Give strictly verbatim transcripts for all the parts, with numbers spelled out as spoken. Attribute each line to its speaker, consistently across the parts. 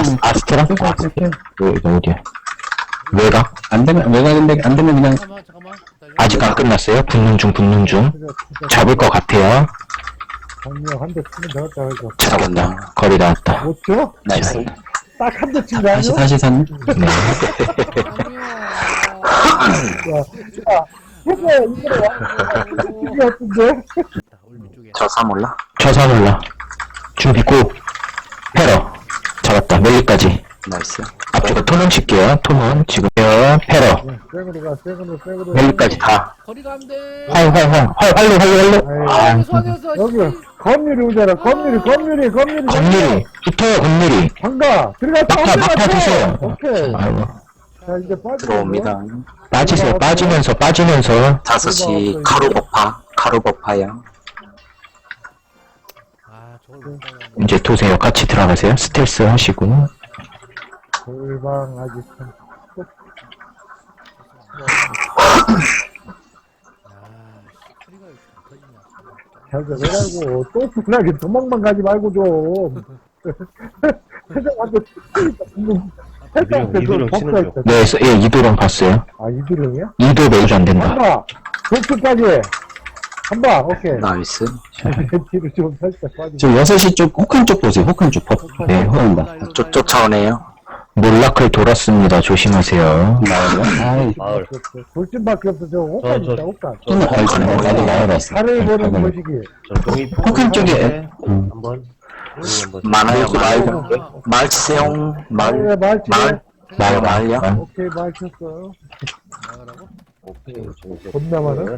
Speaker 1: 아스, 아스트라?
Speaker 2: 오케이, 오케이, 오케이.
Speaker 1: 어, 이거 어디야? 외곽?
Speaker 2: 안 되면, 외곽인데, 안 되면 그냥,
Speaker 3: 잠깐만 잠깐만 기다려.
Speaker 1: 아직 안 끝났어요. 붙는 중, 붙는 중. 잡을 것 같아요.
Speaker 4: 정리형 한대 치면 되겠다, 그래서.
Speaker 1: 잡았다. 거리 나왔다.
Speaker 4: 못 줘?
Speaker 1: 나이스.
Speaker 4: 딱 한 대 친 거
Speaker 2: 다시,
Speaker 4: 아니야?
Speaker 2: 다시 산.
Speaker 1: 네.
Speaker 3: 아니요.
Speaker 4: 야, 야, 해서 이거를 와. 이게 어떤데?
Speaker 3: 우리 밑쪽에.
Speaker 5: 저사 몰라?
Speaker 1: 저사 몰라. 준비 고. 패러. 잡았다. 멜리까지.
Speaker 5: 나이스.
Speaker 1: 앞쪽에 토론 칠게요. 토론. 지금 패러.
Speaker 4: 쌩으로 가, 쌩으로, 쌩으로.
Speaker 1: 멜리까지 다.
Speaker 3: 거리가 안 돼.
Speaker 1: 활, 활, 활. 활, 활로, 활로, 활로. 아,
Speaker 3: 아니었어 아니었어.
Speaker 4: 여기, 건율이 오잖아, 건율이, 건율이, 건율이.
Speaker 1: 건밀이. 붙어요, 건밀이.
Speaker 4: 간다. 들어가,
Speaker 1: 막타, 막타 주세요.
Speaker 4: 오케이.
Speaker 1: 아이고.
Speaker 4: 자, 이제 빠져.
Speaker 5: 들어옵니다.
Speaker 1: 빠지세요. 빠지면서, 빠지면서.
Speaker 5: 다섯 시 카루버파. 카루버파야.
Speaker 3: 아 저걸 못 가요.
Speaker 1: 이제 도세요. 같이 들어가세요. 스텔스 하시고.
Speaker 4: 골방 아직 참.
Speaker 3: 소리가 왜 터지냐.
Speaker 4: 잘 되라고. 또 분하게 도망만 가지 말고 좀. 회장한테 회장한테 좀 법사했다.
Speaker 1: 네, 서- 예, 이도랑 봤어요.
Speaker 4: 아, 이두령이야?
Speaker 1: 이도 매주 안 된다.
Speaker 4: 한다. 도트까지. 한바, 오케이.
Speaker 5: 나이스.
Speaker 4: 뒤로 좀 살짝 빠지.
Speaker 2: 지금 여섯 시 쪽, 혹한 쪽 보세요. 혹한 쪽. 법. 네, 흐른다.
Speaker 5: 쫓, 쫓아오네요.
Speaker 1: 몰라클 돌았습니다. 조심하세요.
Speaker 2: 아이,
Speaker 6: 마을.
Speaker 4: 돌진밖에 없어. 저 옷간
Speaker 6: 저,
Speaker 4: 있다,
Speaker 6: 저.
Speaker 4: 옷간.
Speaker 2: 좀 나와있어. 나도 나와봤어.
Speaker 4: 살을 보는
Speaker 2: 네,
Speaker 4: 것이기.
Speaker 6: 저 종이
Speaker 2: 혹한 쪽에, 음.
Speaker 6: 한번 한번
Speaker 5: 많아요, 말.
Speaker 3: 아,
Speaker 5: 말 치세요. 말.
Speaker 4: 말, 말,
Speaker 5: 말. 말, 말요.
Speaker 1: 말.
Speaker 4: 오케이, 말 쳤어요.
Speaker 3: 나가라고?
Speaker 6: 오케이 종이
Speaker 4: 겁나 많아?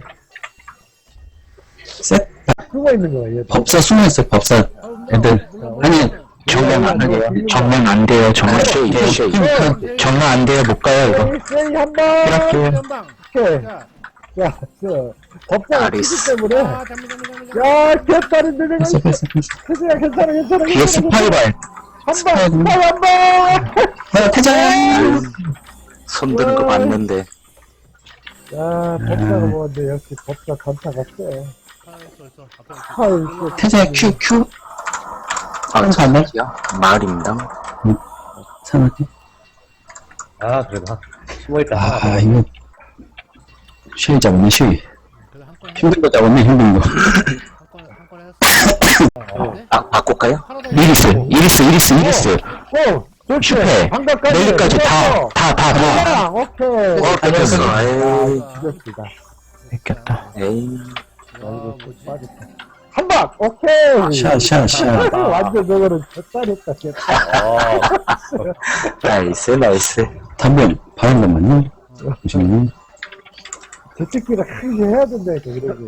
Speaker 2: 셋.
Speaker 4: 숨어 있는 거야, 얘.
Speaker 2: 법사 숨어있어요. 법사. 애들. 아니,
Speaker 1: 정면 안 돼요. 정면 안 돼요. 정면
Speaker 5: 쉐이,
Speaker 1: 안 돼요.
Speaker 5: 쉐이.
Speaker 1: 정면 안 돼요. 못 가요, 이거.
Speaker 4: 세이, 세이, 한 방!
Speaker 1: 이렇게.
Speaker 3: 연방.
Speaker 4: 오케이.
Speaker 3: 자.
Speaker 4: 야, 저, 법사가
Speaker 5: 아리스.
Speaker 4: 치기 때문에.
Speaker 3: 아 잠깐 잠깐 잠깐.
Speaker 4: 야, 개딸인데, 내가.
Speaker 2: 패스, 패스, 패스.
Speaker 4: 괜찮아, 괜찮아, 괜찮아.
Speaker 1: 뒤에 스파이발.
Speaker 4: 한 방, 스파이 한 방!
Speaker 2: 아, 퇴장!
Speaker 5: 손 드는 거 봤는데.
Speaker 4: 야, 법사가 뭐는데 역시 법사 간타가 세.
Speaker 3: 아 있어 있어. 앞에 있어.
Speaker 4: 아이고.
Speaker 2: 퇴장 큐, 큐.
Speaker 5: 아,
Speaker 2: 한 반대.
Speaker 5: 저기요. 마을입니다.
Speaker 2: 사놓게.
Speaker 6: 아 그래도 한 숨어있다
Speaker 2: 아,
Speaker 6: 하나
Speaker 2: 이거. 쉬이 잡았네, 쉬이.
Speaker 3: 그래 한건
Speaker 2: 힘든 거 잡았네, 힘든 거.
Speaker 3: 한건 한건 했어. 네?
Speaker 5: 아, 바꿀까요?
Speaker 3: 하나 더.
Speaker 1: 이리스, 이리스, 이리스, 이리스.
Speaker 4: 오! 좋지!
Speaker 1: 슈페.
Speaker 4: 방각까지!
Speaker 1: 멜리까지 다, 다, 다, 다.
Speaker 4: 아, 오케이!
Speaker 5: 어, 뺏겼어. 에이.
Speaker 4: 죽였습니다.
Speaker 1: 뺏겼다.
Speaker 5: 에이.
Speaker 3: 아 뭐지?
Speaker 4: 한 방! 오케이!
Speaker 2: 샤, 샤, 샤.
Speaker 4: 완전 저거는 젖살했다, 젖살.
Speaker 6: 어
Speaker 5: 나이스, 나이스.
Speaker 2: 담변, 바른 것만요. 잠시만요.
Speaker 4: 저찍기가 크게 해야 된다, 그러지.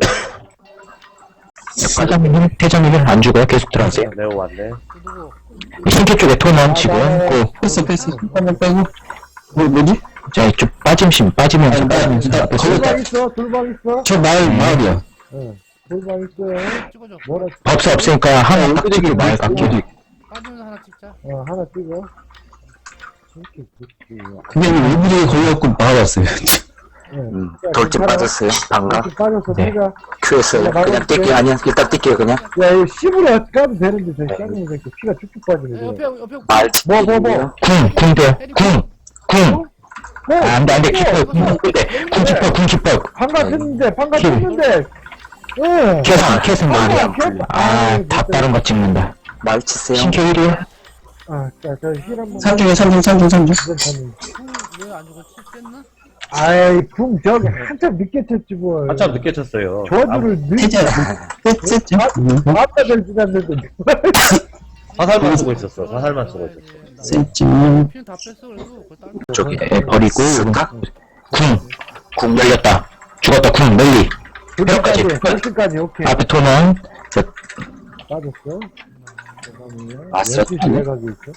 Speaker 1: 태장님, 태장님은 안 죽어요. 계속 들어가세요.
Speaker 6: 내가 왔네
Speaker 3: 또 누구?
Speaker 1: 신캐 쪽에 토넌 지금 고.
Speaker 2: 패스, 패스. 한번 빼고. 뭐, 뭐지?
Speaker 1: 자, 이쪽 빠짐심, 빠지면서,
Speaker 2: 아니, 나-
Speaker 1: 빠지면서.
Speaker 2: 나-
Speaker 1: 앞에
Speaker 2: 걸렸다.
Speaker 4: 돌방 있어, 돌방 있어.
Speaker 2: 저 마을, 마을이야.
Speaker 4: 응. 돌방 있어요.
Speaker 3: 찍어줘.
Speaker 4: 뭐라,
Speaker 1: 법사 없으니까 하나 딱 찍기 말 같게.
Speaker 3: 빠지면서 하나 찍자.
Speaker 4: 어, 하나 찍어. 이렇게 찍지.
Speaker 2: 근데 이거 일부러 걸려갖고 막아봤어요.
Speaker 5: 음, 돌진 빠졌어요. 방가.
Speaker 4: 이렇게 빠져서
Speaker 1: 네.
Speaker 4: 내가,
Speaker 5: 큐였어요. 그냥 뛸게요. 아니야, 일단 뛸게요, 그냥.
Speaker 4: 야, 이거 십으로 가도 되는데, 저 쌍놈 새끼 피가 쭉쭉 빠지네.
Speaker 3: 야, 옆에 옆에.
Speaker 5: 말
Speaker 4: 뭐, 뭐, 뭐.
Speaker 5: 치기요.
Speaker 1: 궁, 궁대, 궁, 궁.
Speaker 4: 네.
Speaker 1: 아, 안 돼, 안 돼. 키퍼, 궁, 궁대. 궁 키퍼, 궁 키퍼.
Speaker 4: 방가 쳤는데, 방가
Speaker 1: 킬.
Speaker 4: 쳤는데. 응.
Speaker 1: 캐선, 캐선 말이야.
Speaker 4: 캐선.
Speaker 1: 아, 다 다른 거 찍는다.
Speaker 5: 말 치세요.
Speaker 1: 신캐 일이야?
Speaker 4: 아, 자, 저 힐 한 번.
Speaker 2: 삼중에 삼중, 삼중, 삼중.
Speaker 3: 왜안 죽었지? 뺐나?
Speaker 4: 아이, 붕, 저기, 한참 늦게 쳤지, 뭘.
Speaker 6: 한참 늦게 쳤어요
Speaker 4: 저주를 늦게.
Speaker 2: 퇴장. 셋, 셋.
Speaker 4: 아까 될 줄 알았는데.
Speaker 6: 아, 사살만 쓰고 있었어 사살만 쓰고 있었어
Speaker 2: 셋쯤.
Speaker 3: 피는 다 뺐어 그래도. 그걸 딸.
Speaker 5: 저기.
Speaker 1: 에, 버리고.
Speaker 5: 스카?
Speaker 1: 궁, 궁 열렸다. 죽었다, 궁, 멜리.
Speaker 4: 돌까지,
Speaker 1: 몇 가지?
Speaker 4: 돌까지, 오케이.
Speaker 1: 앞에 토넌. 저,
Speaker 4: 빠졌어. 잠깐만요.
Speaker 5: 왔어.
Speaker 4: 열두 시 내각이 있어.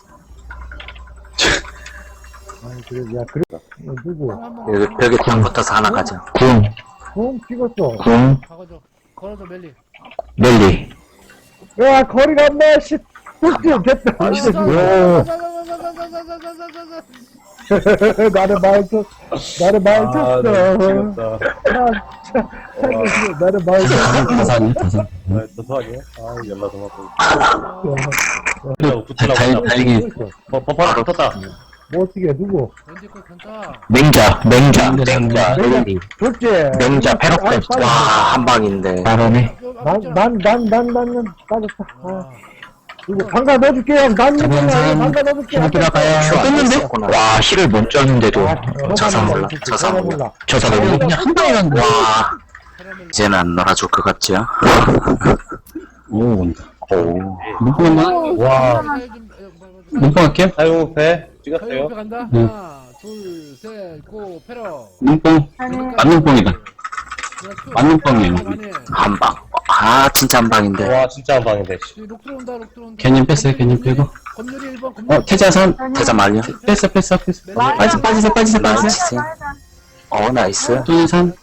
Speaker 4: 아니, 그래, 야, 그래. 어, 누구?
Speaker 5: 여기 벽에 딱 붙어서 하나 가자.
Speaker 1: 궁,
Speaker 4: 붕 찍었어.
Speaker 1: 궁,
Speaker 3: 가가줘. 걸어줘 멜리.
Speaker 1: 멜리.
Speaker 4: 야, 거리가 안 나, 씨. 뚝뚝 됐다.
Speaker 3: 아,
Speaker 4: 씨.
Speaker 3: 자, 자, 자, 자, 자, 자, 자, 자, 자, 자, 자, 자.
Speaker 4: 나를 말 쳤, 나를 말
Speaker 6: 아,
Speaker 4: 쳤어.
Speaker 6: 네,
Speaker 4: 아,
Speaker 6: 미치겠다.
Speaker 4: 참, 나를 말 쳤어.
Speaker 2: 다산이, 다산.
Speaker 6: 아, 또 소환이야? 아, 연락 좀 하고.
Speaker 3: 아,
Speaker 6: 붙으라고,
Speaker 2: 다, 다,
Speaker 6: 붙으라고.
Speaker 2: 다행히,
Speaker 6: 어, 버퍼 붙었다.
Speaker 4: 뭐 어떻게, 누구?
Speaker 3: 왠지 그 간다.
Speaker 1: 맹자, 맹자, 맹자, 멜리.
Speaker 4: 좋지?
Speaker 1: 맹자, 패럭 뺐어.
Speaker 5: 와, 한 방인데.
Speaker 1: 잘하네.
Speaker 4: 난, 난, 난, 난, 난, 난, 빠졌다. 아,
Speaker 3: 아,
Speaker 4: 누구, 방가 넣어줄게, 형. 난,
Speaker 2: 저번
Speaker 4: 누구야?
Speaker 2: 사람
Speaker 4: 방가 넣어줄게.
Speaker 2: 좀 들어가요.
Speaker 5: 큐안
Speaker 2: 떴는데?
Speaker 5: 됐었구나.
Speaker 1: 와, 힐을 못 줬는데도.
Speaker 5: 저사 몰라, 저사 몰라.
Speaker 4: 몰라.
Speaker 1: 저 사람이
Speaker 2: 그냥 한 방에 갔는데.
Speaker 5: 와,
Speaker 3: 캐러멜.
Speaker 5: 이제는 안 놀아줄 것 같죠?
Speaker 2: 오, 온다.
Speaker 5: 오.
Speaker 2: 눈뽕 한번,
Speaker 6: 와,
Speaker 3: 살 좀, 에, 뭐, 뭐,
Speaker 2: 눈뽕 할게요.
Speaker 6: 사용패 찍었어요.
Speaker 3: 옆에 간다.
Speaker 2: 응.
Speaker 3: 하나, 둘, 셋, 고, 패러.
Speaker 2: 눈뽕. 맞눈뽕이다. 맞눈뽕이에요.
Speaker 5: 한 방. 아, 진짜 한 방인데.
Speaker 6: 와, 진짜 한 방인데. 씨.
Speaker 3: 록 들어온다, 록 들어온다.
Speaker 2: 개님 뺐어요, 개님 빼고.
Speaker 3: 검률이 일 번, 검률.
Speaker 2: 어, 태자선.
Speaker 5: 대자 말려.
Speaker 2: 뺐어, 뺐어, 뺐어. 빠지, 빠지세요, 빠지세요,
Speaker 5: 나이스.
Speaker 2: 빠지세요.
Speaker 5: 어, 나이스.
Speaker 2: 뚜니산.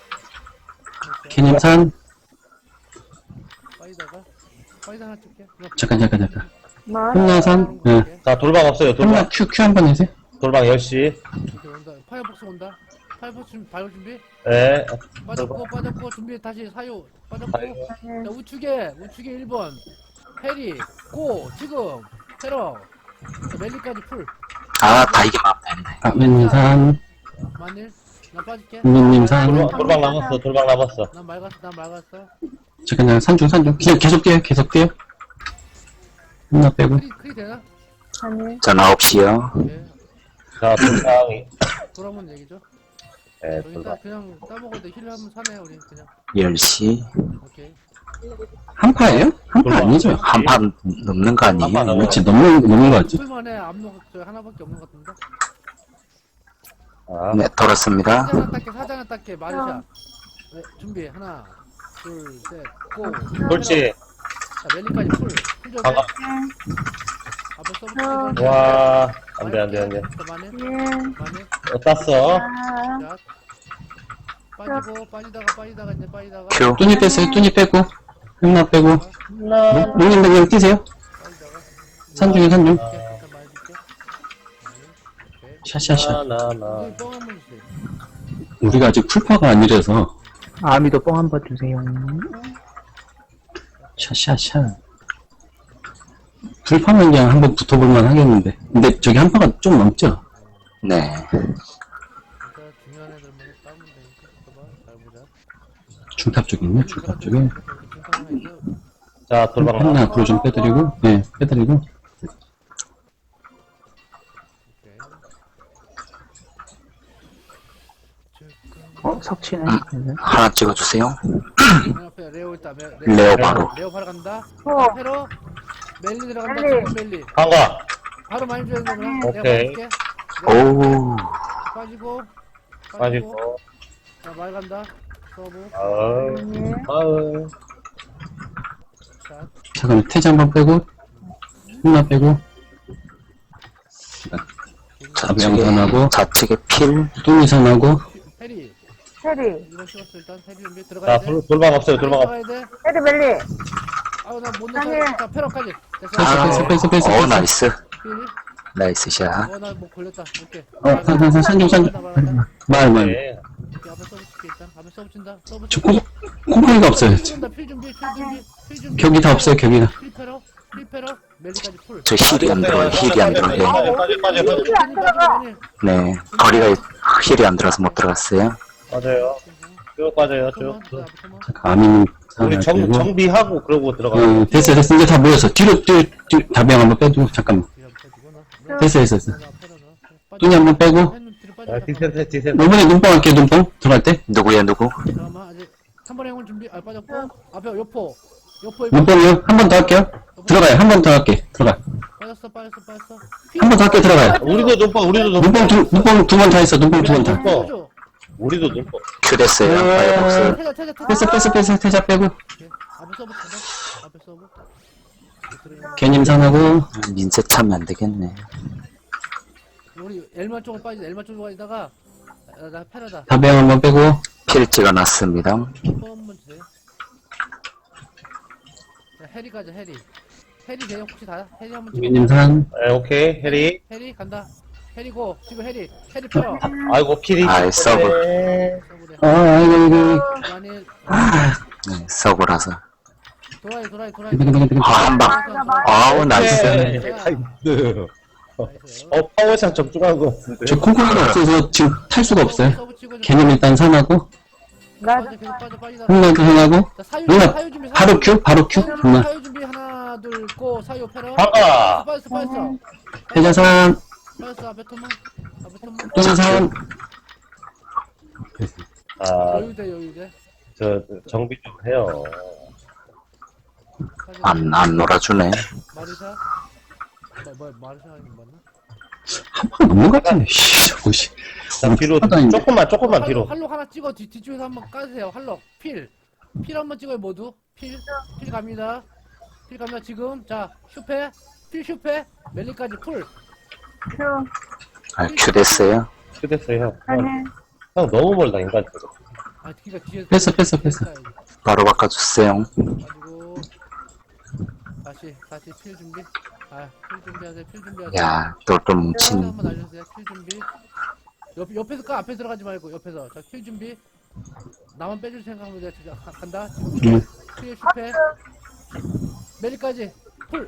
Speaker 2: 개님산.
Speaker 3: 빠이다가. 빠이다 하나 찍게.
Speaker 2: 잠깐, 잠깐, 잠깐. 흥나산. 예.
Speaker 6: 자, 돌방 없어요,
Speaker 2: 흥나
Speaker 6: 돌방.
Speaker 2: 큐, 큐 한 번 해주세요.
Speaker 6: 돌방 열 시.
Speaker 3: 이렇게 온다. 파이어복스 온다. 파이어복스 준비, 바이오 준비.
Speaker 6: 예.
Speaker 3: 빠졌고, 빠졌고, 준비, 다시 사유. 빠졌고.
Speaker 6: 아이고.
Speaker 3: 자, 우측에, 우측에 일 번. 페리, 고, 지금. 테러. 자, 멜리까지 풀.
Speaker 5: 아, 다 이기면 안 되네.
Speaker 2: 아멘님산.
Speaker 3: 만일. 나 빠질게.
Speaker 2: 민님산.
Speaker 6: 돌방, 돌방 남았어, 돌방 남았어.
Speaker 3: 난 맑았어, 난 맑았어.
Speaker 2: 잠깐, 잠깐, 산중, 산중. 그냥 계속 뛰어요, 계속 뛰어요. 흥나 빼고.
Speaker 3: 크리, 크리 되나?
Speaker 5: 전 아홉 시요.
Speaker 3: 예.
Speaker 6: 자, 돌방이.
Speaker 3: 돌아본 얘기죠.
Speaker 6: 예,
Speaker 3: 여기
Speaker 6: 돌방.
Speaker 3: 딱 그냥 따먹을 때 힐을 한번 사네, 우리 그냥.
Speaker 5: 열 시.
Speaker 3: 오케이.
Speaker 2: 한파예요? 한파 아니죠?
Speaker 5: 한 판 넘는 거 아니에요?
Speaker 6: 한판 넘어요.
Speaker 2: 그렇지, 넘는, 넘는 거 같지?
Speaker 3: 풀만에 압록 저 하나밖에 없는 것 같은데.
Speaker 6: 아,
Speaker 5: 네, 돌았습니다.
Speaker 3: 사장은 닦게, 사장은 닦게, 마르샤. 네, 준비, 하나, 둘, 셋, 고.
Speaker 6: 그렇지.
Speaker 3: 자, 멜리까지 풀. 풀 줘.
Speaker 6: 반갑.
Speaker 3: 앞에 서브.
Speaker 6: 와, 안 돼, 안 돼, 안 돼.
Speaker 3: 만에,
Speaker 7: 예.
Speaker 3: 만에.
Speaker 6: 어, 땄어.
Speaker 3: 자. 빠지고, 빠지다가, 빠지다가, 이제 빠지다가.
Speaker 5: 큐.
Speaker 2: 뚜니 뺐어요, 뚜니 빼고. 흥나 빼고. 용님 그냥 뛰세요.
Speaker 3: 빠지다가.
Speaker 2: 산중에 산중.
Speaker 3: 이렇게 잠깐 많이 줄게. 오케이.
Speaker 2: 샤샤샤.
Speaker 6: 나, 나, 나.
Speaker 3: 여기 뻥 한번 주세요.
Speaker 2: 우리가 아직 풀파가 아니라서.
Speaker 1: 아미도 뽕 한 번 주세요.
Speaker 2: 샤샤샤. 풀파면 그냥 한번 붙어볼만 하겠는데. 근데 저기 한파가 좀 넘죠?
Speaker 5: 네.
Speaker 3: 진짜 중요한 애들만 따면 되니까. 봐봐, 잘 보자.
Speaker 2: 중탑 쪽에 있네, 중탑 쪽에.
Speaker 6: 자, 돌방
Speaker 2: 하나
Speaker 6: 남았어.
Speaker 2: 앞으로 좀 빼드리고, 네, 빼드리고.
Speaker 1: 어, 석치네.
Speaker 5: 하나 찍어주세요.
Speaker 3: 앞에 레오 있다. 메-
Speaker 5: 레오 바로.
Speaker 3: 레오 바로 간다.
Speaker 7: 어.
Speaker 3: 페로 멜리 들어간다.
Speaker 7: 멜리.
Speaker 3: 지금 멜리.
Speaker 6: 방가.
Speaker 3: 바로 많이 줘야 되나?
Speaker 6: 오케이.
Speaker 3: 내가 봐줄게.
Speaker 5: 오.
Speaker 3: 빠지고.
Speaker 6: 빠지고.
Speaker 3: 자, 말 간다. 서브.
Speaker 6: 아우,
Speaker 7: 예.
Speaker 6: 아우.
Speaker 3: 자,
Speaker 2: 잠깐만, 태자 한번 빼고. 흥나 빼고.
Speaker 5: 좌측에,
Speaker 2: 명산하고.
Speaker 5: 좌측에 필.
Speaker 2: 뚜니산하고.
Speaker 3: 페리.
Speaker 7: 테리.
Speaker 3: 이거 씹었어. 일단 페리 준비
Speaker 6: 자,
Speaker 3: 들어가야 돼.
Speaker 6: 돌, 돌방 없어요, 돌방 없어.
Speaker 3: 들어가야 돼.
Speaker 7: 테리 멜리.
Speaker 3: 아우, 나못
Speaker 7: 아니.
Speaker 3: 넣어. 자, 페로까지. 됐어.
Speaker 2: 뺐어, 뺐어, 뺐어, 뺐어,
Speaker 5: 어,
Speaker 2: 뺐어.
Speaker 5: 나이스.
Speaker 3: 필.
Speaker 5: 나이스 샷.
Speaker 3: 어, 나 뭐 걸렸다. 오케이.
Speaker 2: 어, 산, 산, 산, 산중, 산중. 말, 말.
Speaker 6: 네.
Speaker 3: 앞에 서브 칠게 일단. 앞에 서브 친다. 서브
Speaker 2: 저 콩, 콩콩이가 없어요.
Speaker 3: 필 준비, 필 준비, 필 준비, 필 준비.
Speaker 2: 격이 다 없어요, 격이 다.
Speaker 3: 필패러, 필패러, 멜리까지 풀.
Speaker 5: 저 힐이 안 들어요. 힐이 안 들어요.
Speaker 6: 빠져, 빠져, 빠져, 빠져.
Speaker 7: 힐이 안 들어가.
Speaker 5: 네. 거리가 힐이 안 들어서 못 들어갔어요.
Speaker 6: 빠져요. 쭉 빠져요, 쭉. 쭉.
Speaker 2: 잠깐, 아미님.
Speaker 6: 우리 정, 정비하고 그러고 들어가.
Speaker 2: 어, 됐어, 됐어. 이제 다 모였어. 뒤로, 뒤로, 뒤로, 다병 한번 빼두고, 잠깐만. 됐어, 됐어, 됐어. 뚜니 한번 빼고.
Speaker 6: 아, 디센트, 디센트.
Speaker 2: 이번에 눈뽕 할게요, 눈뽕. 들어갈 때.
Speaker 5: 누구야, 누구?
Speaker 3: 잠깐만 아직 삼 번의 행운 준비. 아 빠졌고 앞에 요포, 요포
Speaker 2: 눈뽕이요. 한 번 더 할게요. 들어가요. 한 번 더 할게. 들어가.
Speaker 3: 빠졌어, 빠졌어, 빠졌어.
Speaker 2: 한 번 더 할게, 들어가요.
Speaker 6: 우리도 눈뽕, 우리도 눈뽕.
Speaker 2: 눈뽕 두, 눈뽕 두 번 다 했어. 눈뽕 두 번 다.
Speaker 6: 눈뽕. 우리도 눈뽕.
Speaker 5: 큐 됐어요. 파이어복스.
Speaker 3: 태자, 태자, 태자.
Speaker 2: 뺐어, 뺐어, 뺐어. 태자 빼고.
Speaker 3: 오케이. 앞에 서브 친다. 앞에 서브.
Speaker 2: 개님산하고.
Speaker 5: 민세 차면 안 되겠네.
Speaker 3: 우리 엘마 쪽으로 빠지, 엘마 쪽으로 빠지다가 나, 나 패러다.
Speaker 2: 다병 한번 빼고.
Speaker 5: 필 찍어놨습니다.
Speaker 3: 한 번만 주세요. 자, 해리 가자, 해리. 해리 돼요? 혹시 다? 해리 한번 찍어.
Speaker 2: 개님산.
Speaker 6: 네, 오케이, 해리.
Speaker 3: 해리 간다. 해리고 지금 해리 해리 펴
Speaker 6: 아이고, 필이.
Speaker 5: 아이, 서브.
Speaker 6: 네.
Speaker 3: 서브래
Speaker 2: 아, 아이고, 이거.
Speaker 3: 만일
Speaker 5: 네, 서브라서.
Speaker 3: 도라이 도라이 도라이
Speaker 2: 이거, 이거, 이거.
Speaker 5: 아, 한 방. 아우, 나이스.
Speaker 6: 네, 나이스. 어, 파워샷 적중한 것 같은데.
Speaker 2: 저 콩콩이가 없어서 지금 탈 수가 없어요.
Speaker 3: 서브 치고 좀
Speaker 2: 개념 일단 선하고,
Speaker 3: 빠져 계속 빠져 빠지다
Speaker 2: 흥나도 선하고,
Speaker 3: 자, 사유
Speaker 2: 누나,
Speaker 3: 사유 준비 사유
Speaker 2: 바로 큐, 바로 큐,
Speaker 3: 사유 준비,
Speaker 2: 누나.
Speaker 3: 사유 준비 하나 둘고 사유 패러
Speaker 6: 박아.
Speaker 3: 빠졌어 빠졌어
Speaker 2: 회자산,
Speaker 3: 빠졌어 앞에 토마 앞에 토마
Speaker 2: 또는
Speaker 6: 아,
Speaker 3: 여유돼 여유돼
Speaker 6: 저, 정비 좀 해요.
Speaker 5: 안, 안 놀아주네.
Speaker 3: 마리사 뭐, 뭐 마리사 아니면 맞나?
Speaker 2: 한방 넘는 것 같은데, 씨, 저거, 씨.
Speaker 6: 자, 뒤로,
Speaker 2: 하다 있네.
Speaker 6: 조금만, 조금만 뒤로.
Speaker 3: 활록 하나 찍어 뒤, 뒤쪽에서 한번 까주세요 활록 필필 한번 찍어요 모두 필 필 갑니다 필 갑니다 지금 자 슈페 필 슈페 멜리까지 풀
Speaker 5: 아, 큐 됐어요.
Speaker 6: 끝냈어요, 형. 형, 형 너무 멀다, 인간.
Speaker 3: 아 뒤가 뒤에
Speaker 2: 뺐어, 뺐어, 뺐어.
Speaker 5: 바로 바꿔주세요.
Speaker 3: 가지고 다시 다시 필 준비 아필 준비하세요 필 준비하세요
Speaker 5: 야, 똘똘
Speaker 3: 필
Speaker 5: 뭉친.
Speaker 3: 한번 알려주세요 필 준비 옆, 옆에서 까 앞에 들어가지 말고 옆에서 자필 준비 나만 빼줄 생각하면 돼 진짜 가- 간다 지금
Speaker 2: 응.
Speaker 3: 필 슈페 멜리까지 풀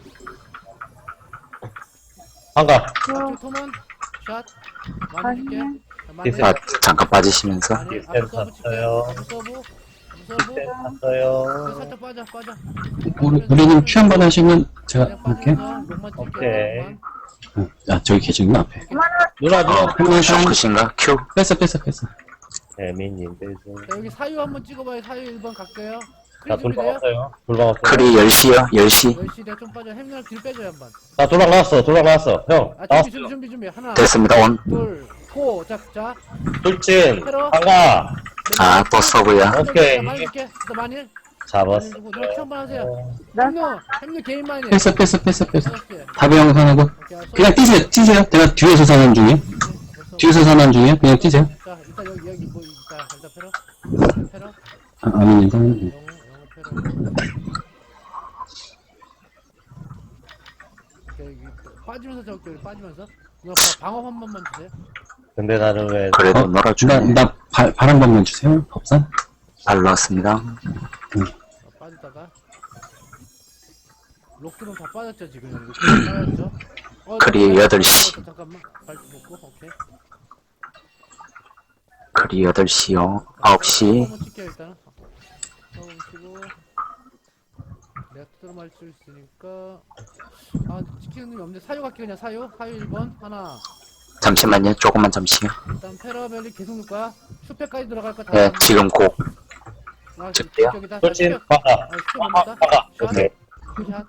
Speaker 6: 한가.
Speaker 3: 좌측 토먼 샷 많이 줄게 많이
Speaker 5: 아, 잠깐 빠지시면서.
Speaker 3: 많이
Speaker 6: 뒷셈
Speaker 3: 앞에 서브 칠게
Speaker 6: 탔어요.
Speaker 3: 앞에 서브 앞에 서브
Speaker 6: 네,
Speaker 3: 그래,
Speaker 6: 탔어요.
Speaker 3: 살짝 빠져 빠져
Speaker 2: 우리, 우리는 큐 한 번 하시면 제가
Speaker 3: 그냥
Speaker 2: 볼게.
Speaker 3: 빠지면서 목만 칠게
Speaker 6: 오케이.
Speaker 3: 목만.
Speaker 2: 어, 아, 저기 계시구나, 앞에.
Speaker 6: 누나, 누나.
Speaker 2: 한번
Speaker 5: 쇼크신가? 큐?
Speaker 2: 뺐어, 뺐어, 뺐어.
Speaker 6: 재민님, 대신.
Speaker 3: 자 여기 사유 한번 찍어봐요 사유 일 번 갈게요
Speaker 6: 자,
Speaker 3: 크리
Speaker 6: 돌방
Speaker 3: 준비돼요?
Speaker 6: 왔어요. 돌방 왔어요.
Speaker 5: 크리 열 시요? 열 시?
Speaker 3: 열 시 내가 좀 빠져 햄날 뒤로 빼줘요 한번
Speaker 6: 자, 돌방 나왔어, 돌방 나왔어. 형,
Speaker 3: 아 준비
Speaker 6: 나왔어요.
Speaker 3: 준비 준비 준비 하나
Speaker 5: 됐습니다, 온.
Speaker 3: 둘고자자
Speaker 6: 돌진, 한가.
Speaker 5: 아, 또 서브야.
Speaker 6: 오케이.
Speaker 3: 많이 줄게 또 많이 많이
Speaker 6: 잡았어.
Speaker 3: 주고 누나 큐 한번 하세요 햄누 햄누 개인 많이
Speaker 2: 뺐어, 뺐어, 뺐어, 뺐어.
Speaker 3: 오케이
Speaker 2: 다배영 선하고.
Speaker 3: 알았어.
Speaker 2: 그냥 뛰세요, 뛰세요. 내가 뒤에서 선한 중이에요. 뒤에서 선한 중이에요. 그냥 뛰세요.
Speaker 3: 자 일단 여기 여기 뭐 일단 일단 패러 패러
Speaker 2: 아, 아민 일단.
Speaker 3: 영어 영어 패러 오케이, 여기 빠지면서 저기 여기 빠지면서 누나 바- 방어 한 번만 주세요
Speaker 6: 근데 나는 왜,
Speaker 5: 그래도
Speaker 2: 어? 나,
Speaker 5: 놀아주네.
Speaker 2: 나, 발, 발 한 번만 주세요. 법산.
Speaker 5: 발 넣었습니다.
Speaker 3: 자, 빠지다가 록드는 다 빠졌죠 지금 여기 록드는 빠졌죠 어,
Speaker 5: 크리
Speaker 3: 잠깐만,
Speaker 5: 여덟 시.
Speaker 3: 잠깐만 발 먹고 오케이
Speaker 5: 크리 여덟 시요. 아홉 시.
Speaker 3: 한번 찍게요 일단은 한번 치고 내가 두드러 맞을 수 있으니까 아 찍히는 놈이 없는데 사유 갈게 그냥 사유 사유 일 번 하나
Speaker 5: 잠시만요. 조금만 잠시요.
Speaker 3: 일단 페라벨리 계속 넣을 거야 슈페까지 들어갈 거다
Speaker 5: 예, 지금 고.
Speaker 3: 아,
Speaker 5: 찍게요.
Speaker 3: 저기다.
Speaker 6: 돌진,
Speaker 3: 슈페.
Speaker 6: 박아.
Speaker 3: 아, 슈페
Speaker 6: 박아,
Speaker 3: 뭡니다.
Speaker 6: 박아.
Speaker 3: 샷.
Speaker 6: 오케이.
Speaker 3: 샷.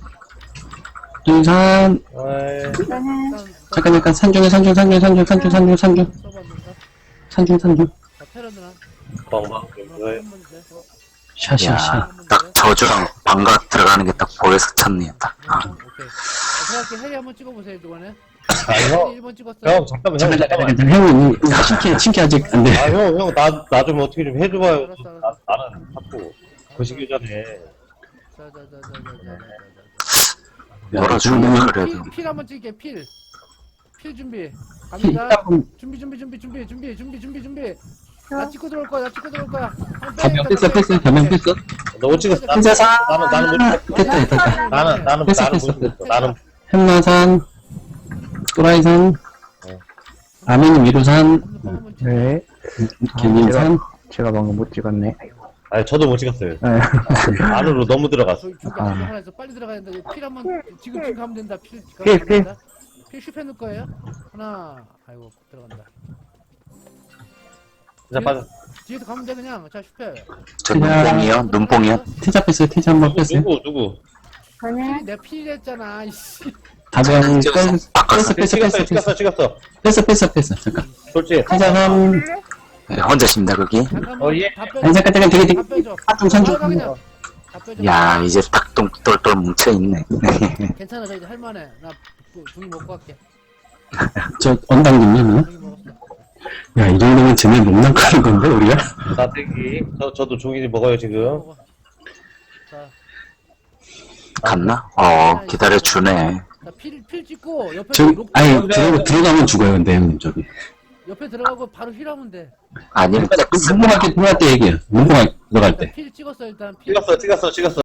Speaker 2: 등산.
Speaker 6: 어이,
Speaker 3: 일단, 일단
Speaker 2: 잠깐, 잠깐. 산중에, 산중, 산중, 산중, 산중, 산중, 산중.
Speaker 3: 서브 안 된다.
Speaker 2: 산중, 산중.
Speaker 3: 자, 페라드나.
Speaker 6: 뻥방.
Speaker 3: 누나 한번 주세요. 어,
Speaker 2: 샤, 샤, 샤.
Speaker 5: 야, 딱 저주랑 방각 들어가는 게 딱 보여서 찼네요. 딱. 아.
Speaker 3: 오케이. 자, 들어갈게. 해리 한번 찍어보세요, 이번에.
Speaker 6: 아, 형.
Speaker 3: 일 번 찍었어.
Speaker 6: 형, 잠깐만, 형,
Speaker 2: 잠깐,
Speaker 6: 잠깐만.
Speaker 2: 잠깐, 잠깐. 형은 신기, 신기 아직 안 돼.
Speaker 6: 아, 형, 형, 나, 나 좀 어떻게 좀 해줘봐요.
Speaker 3: 알았어, 알았어.
Speaker 6: 나, 나는 자꾸 거시기 전에.
Speaker 3: 자, 자, 자, 자, 자, 자, 자,
Speaker 5: 놀아주네,
Speaker 3: 자.
Speaker 5: 그래도.
Speaker 3: 필, 필 한번 찍게, 필. 필 준비.
Speaker 2: 힐
Speaker 3: 갑니다.
Speaker 2: 한번
Speaker 3: 준비, 준비, 준비, 준비, 준비, 준비, 준비, 준비. 나 찍고 들어올 거야, 나 찍고 들어올 거야. 한번 빼,
Speaker 2: 가면
Speaker 3: 일단
Speaker 2: 뺐어, 뺐어.
Speaker 3: 빼.
Speaker 2: 가면 뺐어.
Speaker 6: 너 못 찍었어. 나는,
Speaker 2: 혼자서.
Speaker 6: 나는, 나는 못 찍었어.
Speaker 2: 됐다, 됐다, 됐다.
Speaker 6: 나는, 나는,
Speaker 2: 됐어,
Speaker 6: 나는
Speaker 2: 됐어,
Speaker 6: 못 찍었어. 나는,
Speaker 2: 햄마산. 또라이산. 아민 위로산.
Speaker 4: 네.
Speaker 2: 개민산.
Speaker 4: 제가 방금 못 찍었네.
Speaker 6: 아니, 저도 못 찍었어요.
Speaker 4: 네.
Speaker 6: 안으로 너무 들어갔어.
Speaker 3: 저기 저기
Speaker 4: 아.
Speaker 3: 안에 하나 있어. 빨리 들어가야 된다. 필 한번 지금 지금 가면 된다. 필
Speaker 4: 필,
Speaker 3: 가면
Speaker 4: 필.
Speaker 3: 된다. 필 슈페 넣을 거예요. 하나. 아이고 들어간다.
Speaker 6: 진짜 빠져.
Speaker 3: 뒤에서 가면 돼 그냥. 자 슈페.
Speaker 5: 저 눈뽕이요? 눈뽕이요?
Speaker 2: 태자 뺐어요. 태자 한번
Speaker 6: 누구,
Speaker 2: 뺐어요.
Speaker 6: 누구, 누구?
Speaker 3: 필이 내가 필이랬잖아. 이씨.
Speaker 2: 다배영 뺐어, 뺐어, 뺐어, 뺐어,
Speaker 6: 찍었어,
Speaker 2: 뺐어.
Speaker 6: 찍었어, 찍었어.
Speaker 2: 뺐어, 뺐어, 뺐어. 잠깐.
Speaker 6: 솔직히.
Speaker 2: 태자 삼.
Speaker 5: 네, 혼자십니다, 거기.
Speaker 3: 잠깐만.
Speaker 6: 어, 예.
Speaker 3: 다 빼줘.
Speaker 2: 아니, 잠깐, 잠깐, 되게, 되게.
Speaker 3: 다 빼줘.
Speaker 2: 좀 산중.
Speaker 3: 바로 가, 그냥. 다 빼줘.
Speaker 5: 야, 이제 딱 똥, 똘똘 뭉쳐있네.
Speaker 3: 괜찮아. 저 이제 할만해. 나 또 중이 먹고 갈게.
Speaker 2: 저, 언당님요,
Speaker 3: 중이 먹었어.
Speaker 2: 야, 이 정도면 쟤네 못 낚아는 건데, 우리가?
Speaker 6: 나대기. 저, 저도 종이 먹어요, 지금.
Speaker 3: 먹어. 자.
Speaker 5: 갔나? 어, 기다려주네.
Speaker 3: 자, 필, 필 찍고, 옆에,
Speaker 2: 저,
Speaker 3: 록,
Speaker 2: 아니, 들어, 들어가면 죽어요, 근데, 형님, 저기.
Speaker 3: 옆에 들어가고 바로 힐하면 돼.
Speaker 5: 아니면
Speaker 2: 문봉할 때, 들어갈 때 얘기해요. 문봉할 들어갈 때.
Speaker 3: 필 찍었어, 일단. 필.
Speaker 6: 찍었어, 찍었어, 찍었어.